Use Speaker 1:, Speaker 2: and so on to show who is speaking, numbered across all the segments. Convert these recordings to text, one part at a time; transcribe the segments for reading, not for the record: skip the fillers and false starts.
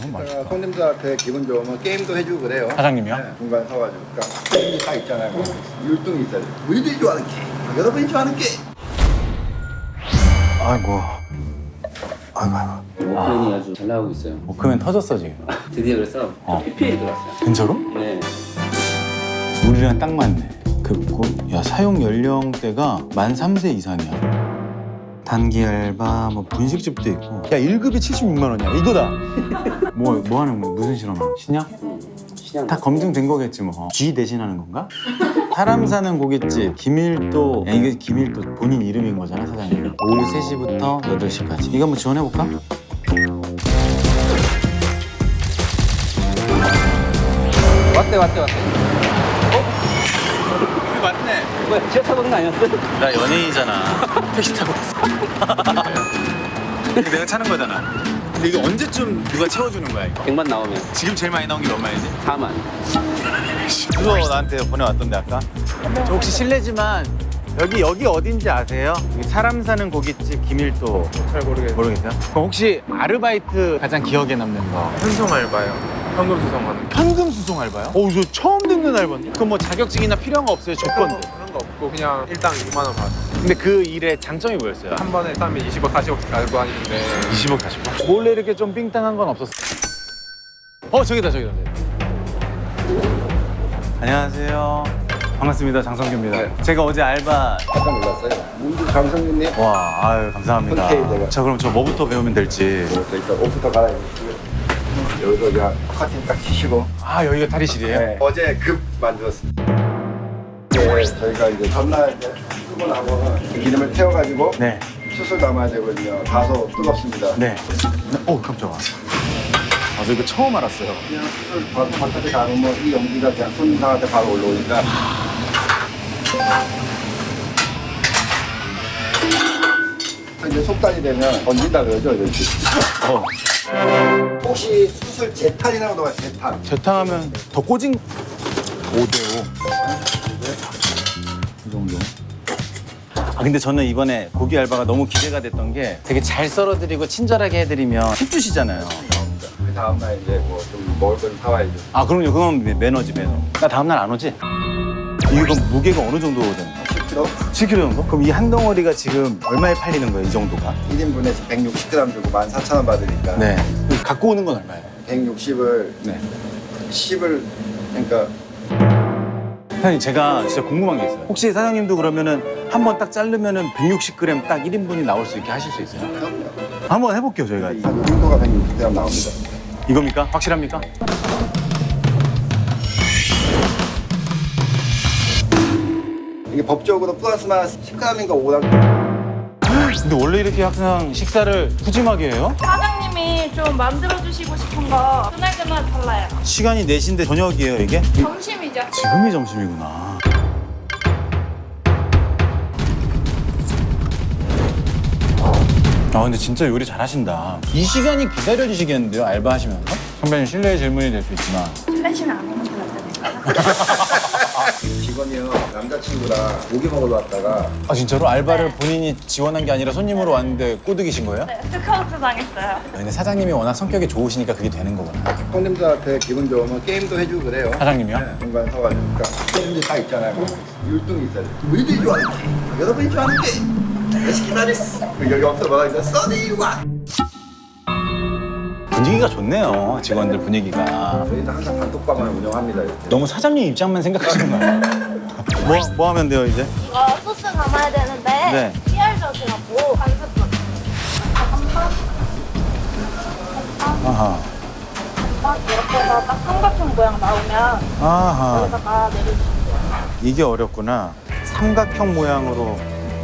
Speaker 1: 제가 손님들한테 기분 좋으면 게임도 해주고 그래요.
Speaker 2: 사장님이요?
Speaker 1: 네, 중간에 서가지고. 그러니까 게임이 딱 있잖아요. 율동이 있어요. 우리들이 좋아하는 게임, 여러분이 좋아하는 게임.
Speaker 2: 아이고.
Speaker 3: 워크맨이 아주 잘 나오고 있어요.
Speaker 2: 워크맨 터졌어 지금.
Speaker 3: 드디어 그래서 PPL 들어왔어요.
Speaker 2: 진짜로?
Speaker 3: 네.
Speaker 2: 우리랑 딱 맞네. 야, 사용 연령대가 만 3세 이상이야. 단기 알바, 뭐 분식집도 있고. 야, 1급이 76만 원이야. 이거다. 뭐 하는 거? 무슨 실험하는? 신약?
Speaker 3: 신양.
Speaker 2: 다 검증된 거겠지 뭐. G 대신하는 건가? 사람 사는 고깃집 김일도. 야, 이게 김일도 본인 이름인 거잖아, 사장님. 오후 3시부터 8시까지. 이거 한번 지원해볼까?
Speaker 3: 왔대.
Speaker 2: 맞네.
Speaker 3: 뭐야, 지하 타고 오는 거 아니었어?
Speaker 2: 나 연예인이잖아. 택시 타고 왔어. 내가 차는 거잖아. 근데 이거 언제쯤 누가 채워주는 거야 이거?
Speaker 3: 100만 나오면
Speaker 2: 지금 제일 많이 나온 게 얼마이지?
Speaker 3: 4만.
Speaker 2: 그거 나한테 보내왔던데 아까? 저 혹시 실례지만 여기 어딘지 아세요? 여기 사람 사는 고깃집 김일도.
Speaker 4: 잘 모르겠어요.
Speaker 2: 모르겠어요? 그럼 혹시 아르바이트 가장 기억에 남는 거?
Speaker 4: 현송 알바요. 현금 수송하는 거.
Speaker 2: 현금 수송 알바요? 저 처음 듣는 알바인데? 그럼 뭐 자격증이나 필요한 거 없어요? 조건들?
Speaker 4: 그런 거 없고 그냥 일당 2만 원 받았어요.
Speaker 2: 근데 그 일의 장점이 뭐였어요?
Speaker 4: 한 번에 싸면 20억, 40억 알고 다니는데
Speaker 2: 20억 40억? 몰래 이렇게 좀 삥땅한 건 없었어? 저기다. 안녕하세요. 반갑습니다. 장성규입니다.
Speaker 1: 네.
Speaker 2: 제가 어제 알바.
Speaker 1: 깜짝 놀랐어요. 문주 장성규님.
Speaker 2: 와, 아유 감사합니다.
Speaker 1: 오케이, 내가.
Speaker 2: 자, 그럼 저 뭐부터 배우면 될지.
Speaker 1: 일단 옷부터 갈아입으시고요. 여기서 그냥 커튼 딱 치시고.
Speaker 2: 아, 여기가 탈의실이에요?
Speaker 1: 네. 어제 급 만들었습니다. 네, 저희가 이제 전날 이제 쓰고 나면은 기름을 태워가지고
Speaker 2: 네.
Speaker 1: 수술 담아야 되거든요. 다소 뜨겁습니다.
Speaker 2: 네. 깜짝아. 저 이거 처음 알았어요.
Speaker 1: 그냥 수술 바로 바깥에 가면 이 연기가 그냥 손님한테 바로 올라오니까. 이제 속단이 되면 던진다 그러죠, 이렇게. 혹시 수술 재탄이라고 나와요, 재탄.
Speaker 2: 재탕하면 더 꼬진 5대5. 이 정도. 근데 저는 이번에 고기 알바가 너무 기대가 됐던 게 되게 잘 썰어드리고 친절하게 해드리면 팁 주시잖아요.
Speaker 1: 그 다음날 이제 뭐 좀 먹을 건 사와야죠.
Speaker 2: 그럼요. 그건 매너지, 매너. 나 다음날 안 오지? 이게 그럼 무게가 어느 정도 되는 거야?
Speaker 1: 10kg?
Speaker 2: 7kg 정도? 그럼 이 한 덩어리가 지금 얼마에 팔리는 거예요, 이 정도가?
Speaker 1: 1인분에 160g 주고 14,000원 받으니까.
Speaker 2: 네. 갖고 오는 건 얼마예요?
Speaker 1: 160을,
Speaker 2: 네.
Speaker 1: 10을, 그러니까.
Speaker 2: 사장님, 제가 진짜 궁금한 게 있어요. 혹시 사장님도 그러면은 한 번 딱 자르면은 160g 딱 1인분이 나올 수 있게 하실 수 있어요?
Speaker 1: 그럼요.
Speaker 2: 한번 해볼게요, 저희가.
Speaker 1: 이 정도가 160g 나옵니다.
Speaker 2: 이겁니까? 확실합니까?
Speaker 1: 이게 법적으로 플러스만 10g인가 5g.
Speaker 2: 근데 원래 이렇게 항상 식사를 푸짐하게 해요?
Speaker 5: 사장님이 좀 만들어주시고 싶은 거 그날그날 달라요.
Speaker 2: 시간이 4시인데 저녁이에요, 이게?
Speaker 5: 점심이죠.
Speaker 2: 지금이 점심이구나. 근데 진짜 요리 잘하신다. 이 시간이 기다려지시겠는데요, 알바하시면서? 선배님, 실례의 질문이 될 수 있지만.
Speaker 5: 실례시면 안 해면
Speaker 1: 직원이요, 남자친구랑 고기 먹으러 왔다가
Speaker 2: 진짜로? 알바를 본인이 지원한 게 아니라 손님으로 왔는데 꼬드기신 거예요?
Speaker 5: 네, 스카우트 당했어요.
Speaker 2: 근데 사장님이 워낙 성격이 좋으시니까 그게 되는 거구나.
Speaker 1: 손님들한테 기분 좋으면 게임도 해주고 그래요.
Speaker 2: 사장님이요?
Speaker 1: 네, 중간에 서가지고. 그러니까 게임이 딱 있잖아요. 율동이 있어요. 우리들이 좋아하는 게임, 여러분이 좋아하는 게임. 레시키나리스. 여기 앞서 뭐라 했죠? 써니와.
Speaker 2: 분위기가 좋네요, 직원들 분위기가.
Speaker 1: 저희는 항상 단톡방을 운영합니다. 이렇게.
Speaker 2: 너무 사장님 입장만 생각하시는 거예요. 뭐 하면 돼요, 이제?
Speaker 5: 이거 소스 담아야 되는데
Speaker 2: 네.
Speaker 5: PR젓이라고 간섭젓.
Speaker 2: 아하.
Speaker 5: 이렇게 해서 딱 삼각형 모양 나오면
Speaker 2: 아하.
Speaker 5: 여기다가 내려주시면 돼요.
Speaker 2: 이게 어렵구나. 삼각형 모양으로.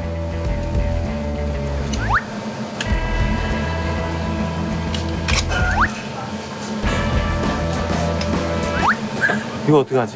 Speaker 2: 이거 어떻게 하지?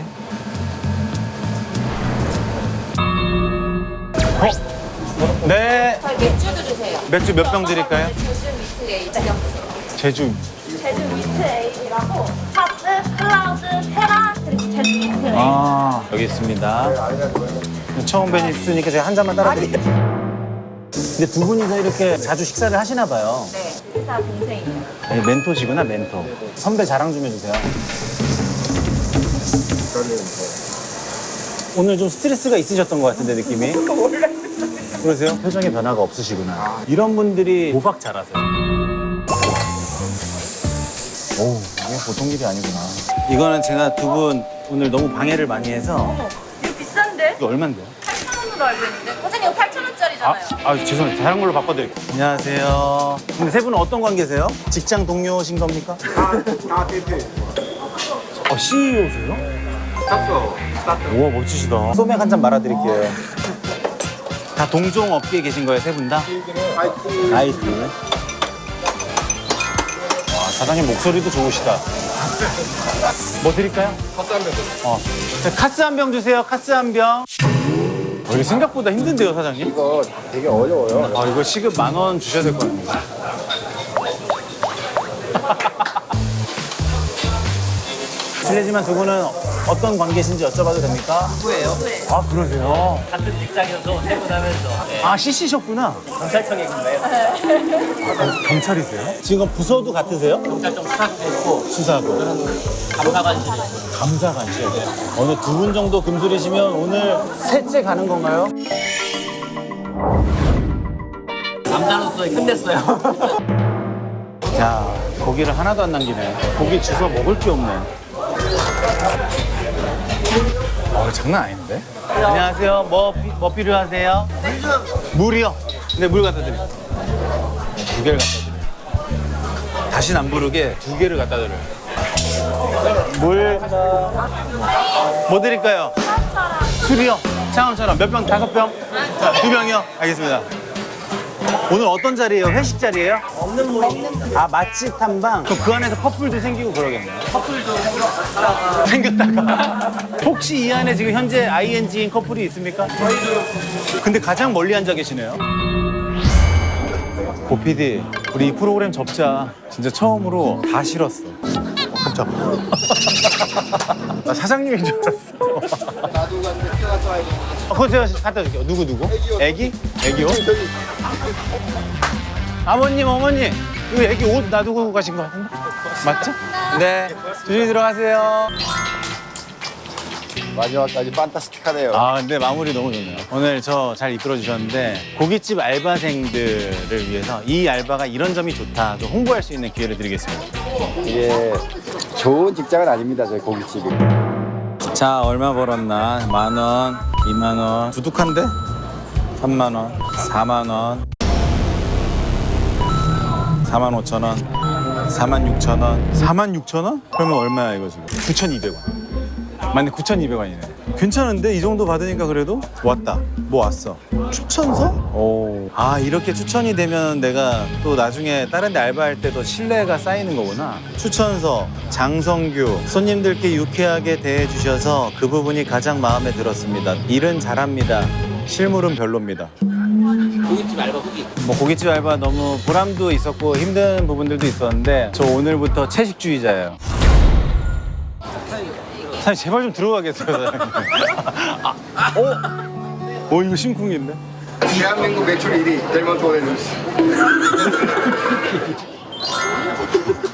Speaker 2: 네.
Speaker 5: 저희 맥주도 주세요.
Speaker 2: 맥주 몇 병 드릴까요?
Speaker 5: 제주 미트 에이드 주세요.
Speaker 2: 제주.
Speaker 5: 제주 미트 에이드라고 파스, 클라우드, 테라 그리고 제주 미트 에이드.
Speaker 2: 여기 있습니다. 처음 뵈니까 제가 한 잔만 따라드릴게요. 근데 두 분이서 이렇게 자주 식사를 하시나 봐요.
Speaker 5: 네. 회사 동생이에요.
Speaker 2: 아니, 멘토시구나, 멘토. 선배 자랑 좀 해주세요. 오늘 좀 스트레스가 있으셨던 것 같은데, 느낌이? 그러세요? 표정에 변화가 없으시구나. 이런 분들이 도박 잘하세요. 오, 이게 보통 일이 아니구나. 이거는 제가 두 분 오늘 너무 방해를 많이 해서.
Speaker 5: 어머, 이거 비싼데?
Speaker 2: 이거 얼만데요?
Speaker 5: 8,000원으로 알고 있는데? 사장님 이거 8,000원짜리잖아요.
Speaker 2: 죄송해요. 다른 걸로 바꿔드릴게요. 안녕하세요. 근데 세 분은 어떤 관계세요? 직장 동료신 겁니까?
Speaker 1: 다 대표.
Speaker 2: CEO세요?
Speaker 1: 스타트.
Speaker 2: 우와, 멋지시다. 소맥 한 잔 말아드릴게요. 다 동종 업계에 계신 거예요, 세 분 다? IT. 와, 사장님 목소리도 좋으시다. 뭐 드릴까요?
Speaker 1: 카스 한 병.
Speaker 2: 카스 한 병 주세요, 카스 한 병. 이게 생각보다 힘든데요, 사장님?
Speaker 1: 이거 되게 어려워요.
Speaker 2: 이거 시급 10,000원 주셔야 될 것 같아요. 실례지만 두 분은 어떤 관계신지 여쭤봐도 됩니까?
Speaker 3: 누구예요?
Speaker 2: 아, 그러세요?
Speaker 3: 같은 직장에서 세분하면서
Speaker 2: 아, CC셨구나.
Speaker 3: 경찰청에 근무해요.
Speaker 2: 경찰이세요? 지금 부서도 같으세요?
Speaker 3: 경찰청 수사도 있고
Speaker 2: 수사고.
Speaker 3: 감사관실에
Speaker 2: 감사관실. 어느 두 분 정도 금술이시면 오늘 셋째 가는 건가요?
Speaker 3: 남자로서 끝냈어요.
Speaker 2: 야, 고기를 하나도 안 남기네. 고기 주워 먹을 게 없네. 장난 아닌데? 안녕하세요. 뭐 필요하세요? 물이요. 네, 물 갖다 드릴게요. 2개를 갖다 드려요. 다시는 안 부르게 2개를 갖다 드려요. 물. 뭐 드릴까요? 술이요. 창원처럼 몇 병? 5병? 2병이요? 알겠습니다. 오늘 어떤 자리예요? 회식 자리예요?
Speaker 3: 없는 모임.
Speaker 2: 아, 맛집 탐방? 그럼 그 안에서 커플도 생기고 그러겠네요.
Speaker 3: 커플도 생겼다가
Speaker 2: 생겼다가. 혹시 이 안에 지금 현재 ING인 커플이 있습니까?
Speaker 3: 저희도
Speaker 2: 근데 가장 멀리 앉아 계시네요. 고PD, 우리 이 프로그램 접자. 진짜 처음으로 다 싫었어. 깜짝. 나 사장님인 줄 알았어.
Speaker 1: 나도 갔는데 가서 와야 돼.
Speaker 2: 그거 제가 갖다 줄게요. 누구? 애기? 애기요? 아버님, 어머니, 이거 애기 옷 놔두고 가신 거 같은데? 맞죠? 네. 조심히 들어가세요.
Speaker 1: 마지막까지 판타스틱하네요.
Speaker 2: 근데 마무리 너무 좋네요. 오늘 저 잘 이끌어 주셨는데 고깃집 알바생들을 위해서 이 알바가 이런 점이 좋다 좀 홍보할 수 있는 기회를 드리겠습니다.
Speaker 1: 이게 좋은 직장은 아닙니다, 저희 고깃집이.
Speaker 2: 자, 얼마 벌었나? 10,000원, 20,000원. 두둑한데? 30,000원, 40,000원, 45,000원, 46,000원, 46,000원? 그러면 얼마야 이거 지금? 9,200원. 맞네, 9,200원이네. 괜찮은데? 이 정도 받으니까 그래도? 왔다. 뭐 왔어? 추천서? 오. 이렇게 추천이 되면 내가 또 나중에 다른 데 알바할 때도 신뢰가 쌓이는 거구나. 추천서, 장성규. 손님들께 유쾌하게 대해주셔서 그 부분이 가장 마음에 들었습니다. 일은 잘합니다. 실물은 별로입니다.
Speaker 3: 고깃집 알바 후기.
Speaker 2: 뭐 고깃집 알바 너무 보람도 있었고 힘든 부분들도 있었는데 저 오늘부터 채식주의자예요. 사장님 제발 좀 들어가겠어요, 사장님. 이거 심쿵인데?
Speaker 1: 대한민국 매출 1위 델몬트 오렌지.